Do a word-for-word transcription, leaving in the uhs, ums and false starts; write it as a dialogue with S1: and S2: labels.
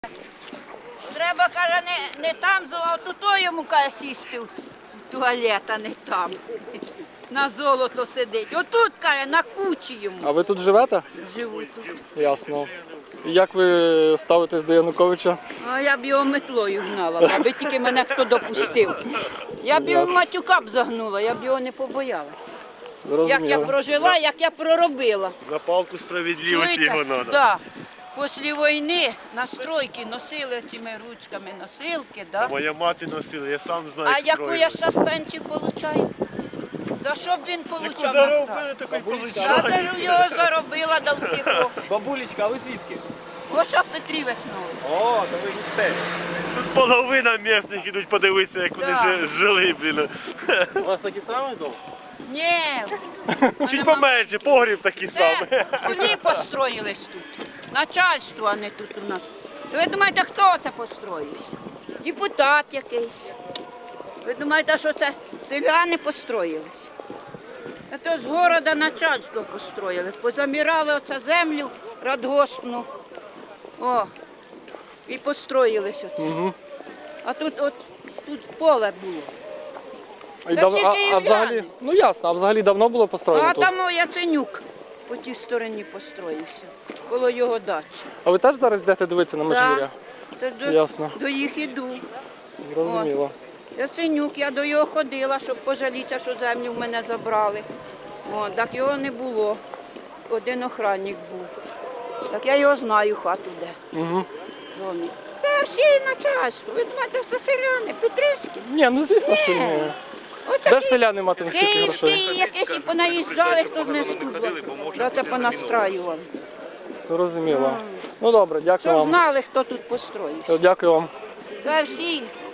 S1: Треба, каже, не, не там, а тут йому каже, сісти в туалет, а не там. На золото сидить. Отут, каже, на кучі йому.
S2: А ви тут живете?
S1: Живу тут.
S2: Ясно. І як ви ставитесь до Януковича?
S1: А я б його метлою гнала, аби тільки мене хто допустив. Я б його матюка б загнула, я б його не побоялась. Як я
S2: Зрозуміло.
S1: прожила, як я проробила.
S3: За палку справедливості його треба.
S1: Да. Після війни на стройки носили цими ручками носилки, да?
S3: Моя мати носила, я сам знаю,
S1: А
S3: як
S1: яку
S3: строїли.
S1: я зараз пенсію отримую? Да що б він
S3: Яку
S1: отримав?
S3: заробили, таку й
S1: Я
S3: получали.
S1: за його заробила до втіху.
S4: Бабулечка, а ви звідки?
S1: Ось що Петрівець новий.
S4: О, то ви місцеві.
S3: Тут половина місних ідуть подивитися, як вони
S1: Да.
S3: жи- жили, блін.
S4: У вас такий самий дом?
S1: Ні,
S3: Чуть поменше, погріб такий самий.
S1: це кулі построїлись тут. Начальство, а не тут у нас. Ви думаєте, хто це построївся? Депутат якийсь. Ви думаєте, що це селяни построїлись? Це з города начальство построїли. Позамірали оце землю радгоспну. О, і построїлись оце.
S2: Угу.
S1: А тут от тут поле було.
S2: І
S1: Це
S2: дав...
S1: всі
S2: а, а
S1: київляни.
S2: взагалі, ну ясно, а взагалі давно було построєно
S1: А
S2: тут?
S1: там о, Яценюк по тій стороні построївся, коло його дачі.
S2: А ви теж зараз йдете дивитися на Межгір'я?
S1: Це ж до,
S2: Ясно.
S1: до їх іду.
S2: Зрозуміло.
S1: Яценюк, я до його ходила, щоб пожалітися, що землю в мене забрали. О, так його не було. Один охранник був. Так я його знаю, хату де.
S2: Угу.
S1: Домі. Це всі начальство. Ви думаєте, це селяни, Петрівські?
S2: Ні, ну звісно, що ні.
S1: Оце
S2: Де ж селяни матимуть стільки
S1: Київські
S2: грошей?
S1: якісь і понаїжджали, хто з них студла. Да, це понастраювали.
S2: Зрозуміло. Ну добре, дякую
S1: Щоб
S2: вам.
S1: знали, хто тут построїв.
S2: Дякую вам.
S1: Це всі